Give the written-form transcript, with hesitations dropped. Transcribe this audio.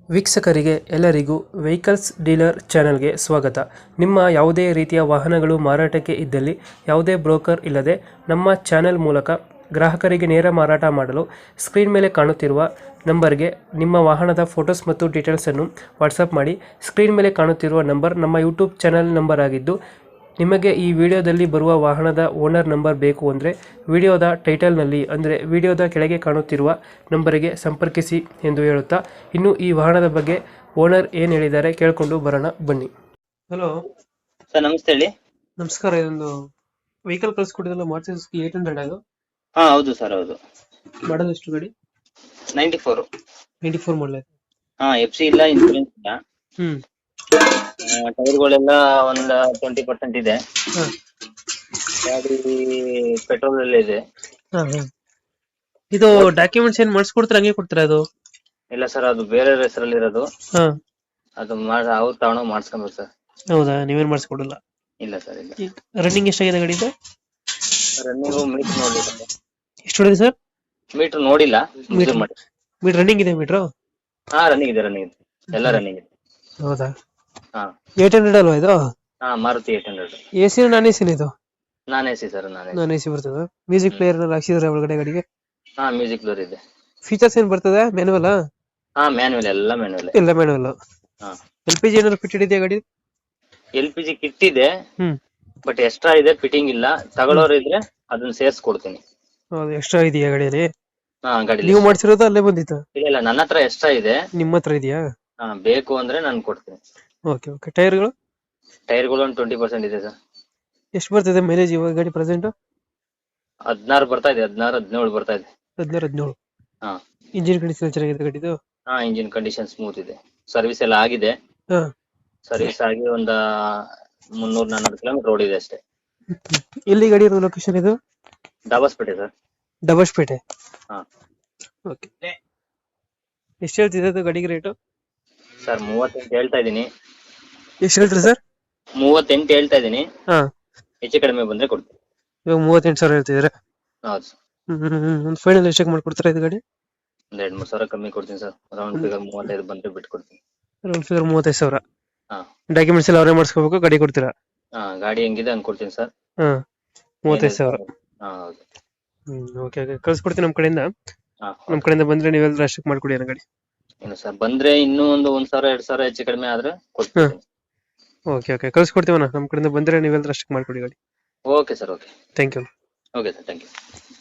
ವೀಕ್ಷಕರಿಗೆ ಎಲ್ಲರಿಗೂ vehicles dealer ಚಾನೆಲ್ಗೆ ಸ್ವಾಗತ. ನಿಮ್ಮ ಯಾವುದೇ ರೀತಿಯ ವಾಹನಗಳು ಮಾರಾಟಕ್ಕೆ ಇದ್ದಲ್ಲಿ ಯಾವುದೇ ಬ್ರೋಕರ್ ಇಲ್ಲದೆ ನಮ್ಮ ಚಾನೆಲ್ ಮೂಲಕ ಗ್ರಾಹಕರಿಗೆ ನೇರ ಮಾರಾಟ ಮಾಡಲು ಸ್ಕ್ರೀನ್ ಮೇಲೆ ಕಾಣುತ್ತಿರುವ ನಂಬರ್ಗೆ ನಿಮ್ಮ ವಾಹನದ ಫೋಟೋಸ್ ಮತ್ತು ಡೀಟೇಲ್ಸನ್ನು ವಾಟ್ಸಪ್ ಮಾಡಿ. ಸ್ಕ್ರೀನ್ ಮೇಲೆ ಕಾಣುತ್ತಿರುವ ನಂಬರ್ ನಮ್ಮ ಯೂಟ್ಯೂಬ್ ಚಾನೆಲ್ ನಂಬರ್ ಆಗಿದ್ದು, ನಿಮಗೆ ಈ ವಿಡಿಯೋದಲ್ಲಿ ಬರುವ ವಾಹನದ ಓನರ್ ನಂಬರ್ ಬೇಕು ಅಂದರೆ ವಿಡಿಯೋದ ಟೈಟಲ್ನಲ್ಲಿ ಅಂದರೆ ವಿಡಿಯೋದ ಕೆಳಗೆ ಕಾಣುತ್ತಿರುವ ನಂಬರಿಗೆ ಸಂಪರ್ಕಿಸಿ ಎಂದು ಹೇಳುತ್ತಾ, ಇನ್ನು ಈ ವಾಹನದ ಬಗ್ಗೆ ಓನರ್ ಏನು ಹೇಳಿದ್ದಾರೆ ಕೇಳಿಕೊಂಡು ಬರೋಣ ಬನ್ನಿ. ಹಲೋ ಸರ್, ನಮಸ್ತೆ ಹೇಳಿ. ನಮಸ್ಕಾರ. ಇದೊಂದು ವೆಹಿಕಲ್ ಕಳಿಸ್ಕೊಟ್ಟಿದ್ದಲ್ಲ, ಮಾರುತಿ ಸುಜುಕಿ 800 ಅದು ಹಾ, ಹೌದು ಸರ್, ಹೌದು. ಮಾಡಲ್ ಎಷ್ಟು ಗಾಡಿ? 94. 94 ಮಾಡಲ್. ಹಾ, FC ಇಲ್ಲ, ಇನ್ಸೂರೆನ್ಸ್ ಇಲ್ಲ. ಹ್ಮ್ ಟೈರ್ಗಳೆಲ್ಲ ಒಂದ್ 20% ಇದೆ. ಹಾ ಗಾಡಿ ಪೆಟ್ರೋಲ್ ಎಲ್ಲ ಇದೆ. ಹಾ ಹಾ ಇದು ಡಾಕ್ಯುಮೆಂಟ್ಸ್ ಏನ್ ಮಾಡಿಸ್ಕೊಡ್ತೀರಾ, ಹಂಗೆ ಕೊಡ್ತೀರಾ ಅದು? ಇಲ್ಲ ಸರ್, ಅದು ಬೇರೆ ಹೆಸರಲ್ಲಿ ಇರೋದು. ಹಾ ಅದು ಅವ್ರು ತಗೊಂಡು ಮಾಡಿಸ್ಕೊಬೇಕು ಸರ್. ಹೌದಾ, ನೀವೇನ್ ಮಾಡಿಸ್ಕೊಡಲ್ಲ? ಇಲ್ಲ ಸರ್, ಇಲ್ಲ. ರನ್ನಿಂಗ್ ಎಷ್ಟಾಗಿದೆ ಗಾಡಿ ಇದು? ರನ್ನಿಂಗು ಮೀಟರ್ ನೋಡಿಲ್ಲ. ಎಷ್ಟು ಹೊಡಿದೆ ಸರ್? ಮೀಟರ್ ನೋಡಿಲ್ಲ, measure ಮಾಡಿ. ಮೀಟರ್ ರನ್ನಿಂಗ್ ಇದೆ ಮೀಟ್ರು? ಹಾ, ರನ್ನಿಂಗ್ ಇದೆ, ರನ್ನಿಂಗ್ ಇದೆ, ಎಲ್ಲ ರನ್ನಿಂಗ್ ಇದೆ. ಹೌದಾ? ಹಾ 800 ಅಲ್ವಾ ಇದು? ಹಾ, ಮಾರುತಿ 800. ಎಸಿ ನಾನ್ ಎಸಿ ಇದು? Non AC sir, non non AC ಬರ್ತದೆ. ಮ್ಯೂಸಿಕ್ ಪ್ಲೇಯರ್ ಹಾಕ್ಸಿದ್ರೆ ಒಳಗಡೆ ಗಾಡಿಗೆ? ಹಾ, ಮ್ಯೂಸಿಕ್ ಡೋರ್ ಇದೆ. ಫೀಚರ್ಸ್ ಏನ್ ಬರ್ತದೆ? ಮ್ಯಾನುವಲ್? ಹಾ, ಮ್ಯಾನುವಲ್, ಎಲ್ಲ ಮ್ಯಾನುವಲ್. ಎಲ್ಲ ಮ್ಯಾನುವಲ್. ಹಾ, LPG ಏನಾದ್ರು ಫಿಟೆಡ್ ಇದೆಯಾ ಗಾಡಿ? LPG ಕಿಟ್ ಇದೆ, ಹ್ಮ್ ಬಟ್ ಎಕ್ಸ್ಟ್ರಾ ಇದೆ, ಫಿಟ್ಟಿಂಗ್ ಇಲ್ಲ. ತಗೊಳ್ಳೋರು ಇದ್ರೆ ಅದನ್ನ ಸೇರ್ಸ್ಕೊಡ್ತೀನಿ. ಹೌದು, ಎಕ್ಸ್ಟ್ರಾ ಇದೆಯಾ ಗಾಡಿಯಲ್ಲಿ? ಹಾ, ಗಾಡಿ ನೀವು ಮಾಡ್ಸಿರೋದು ಅಲ್ಲೇ ಬಂದಿತ್ತು? ಇಲ್ಲ, ನನ್ನ ಹತ್ರ ಎಕ್ಸ್ಟ್ರಾ ಇದೆ. ನಿಮ್ಮ ಹತ್ರ ಇದೆಯಾ? ಹಾ, ಬೇಕು ಅಂದ್ರೆ ನಾನು ಕೊಡ್ತೀನಿ. Okay okay. ಟೈರ್ಗಳು? ಟೈರ್ಗಳು ಒಂದು 20% ಇದೆ ಸರ್. ಎಷ್ಟು ಬರ್ತಿದೆ ಮೈಲೇಜ್ ಇವಾಗ ಗಾಡಿ ಪ್ರೆಸೆಂಟ್? 16 ಬರ್ತಾ ಇದೆ, 16 17 ಬರ್ತಾ ಇದೆ. 16 17. ಹಾ. ಇಂಜಿನ್ ಕಂಡೀಷನ್ ಚೆನ್ನಾಗಿದೆ ಗಾಡಿದು? ಹಾ, ಇಂಜಿನ್ ಕಂಡೀಷನ್ ಸ್ಮೂತ್ ಇದೆ. ಸರ್ವಿಸ್ ಎಲ್ಲ ಆಗಿದೆ. ಹಾ. ಸರ್ವಿಸ್ ಆಗಿ ಒಂದ 300-400 ಕಿಲೋಮೀಟರ್ ಓಡಿದೆ ಅಷ್ಟೇ. ಎಲ್ಲಿ ಗಾಡಿ ಇರೋದು ಲೊಕೇಶನ್ ಇದು? ದಾಬಾಸ್ಪೇಟೆ ಸರ್. ಡಬಸ್ಪೇಟೆ. ಹಾ. ಓಕೆ. ಎಷ್ಟು ಹೇಳ್ತಿದೆ ಅದು ಗಾಡಿಗೆ ರೇಟು? ಸರ್ 38 ಹೇಳ್ತಾ ಇದೀನಿ. ಎಷ್ಟು ಹೇಳ್ತೀರಿ ಸರ್? 38 ಹೇಳ್ತಾ ಇದೀನಿ. ಹಾ. ಹೆಚ್ಚು ಕಡಿಮೆ ಬಂದ್ರೆ ಕೊಡ್ತೀನಿ. ಇವಾಗ 38,000 ಹೇಳ್ತಿದ್ದೀರಾ? ಹೌದು ಸರ್. ಒಂದು ಫೈನಲ್ ಎಷ್ಟಕ್ಕೆ ಮಾಡ್ಕೊಡ್ತೀರಾ ಇದು ಗಾಡಿ? ಒಂದ್ 2-3 ಸಾವಿರ ಕಮ್ಮಿ ಕೊಡ್ತೀನಿ ಸರ್. ರೌಂಡ್ ಫಿಗರ್ 35 ಬಂದ್ರೆ ಬಿಟ್ಟು ಕೊಡ್ತೀನಿ. Round figure 35,000. ಹಾ. ಡಾಕ್ಯುಮೆಂಟ್ಸ್ ಎಲ್ಲ ಅವರೇ ಮಾಡಿಸ್ಕೋಬೇಕು, ಗಾಡಿ ಕೊಡ್ತೀರಾ? ಹಾ, ಗಾಡಿ ಹೆಂಗಿದೆ ಹಂಗ್ ಕೊಡ್ತೀನಿ ಸರ್. ಹಾ, 35,000. ಹಾ, ಹೌದು. ಓಕೆ ಓಕೆ, ಕಳ್ಸ್ಕೊಡ್ತೀನಿ ನಮ್ಮ ಕಡೆಯಿಂದ. ಹಾ, ನಮ್ಮ ಕಡೆಯಿಂದ ಬಂದ್ರೆ ನೀವೆಲ್ಲ ಅಷ್ಟಕ್ಕೆ ಮಾಡ್ಕೊಡಿ ಅನ್ನೋ ಗಾಡಿ. ಏನು ಸರ್, ಬಂದ್ರೆ ಇನ್ನೂ ಒಂದು 1,000-2,000 ಹೆಚ್ಚು ಕಡಿಮೆ ಆದ್ರೆ ಕೊಡ್ತೀನಿ. ಓಕೆ ಓಕೆ, ಕಳ್ಸ್ಕೊಡ್ತೀವಣ್ಣ. ನಮ್ಮ ಕಡೆಯಿಂದ ಬಂದ್ರೆ ನೀವೆಲ್ಲ ಅಷ್ಟಕ್ಕೆ ಮಾಡ್ಕೊಡಿ ಗಾಡಿ. Okay sir, okay. Thank you. Okay sir, thank you.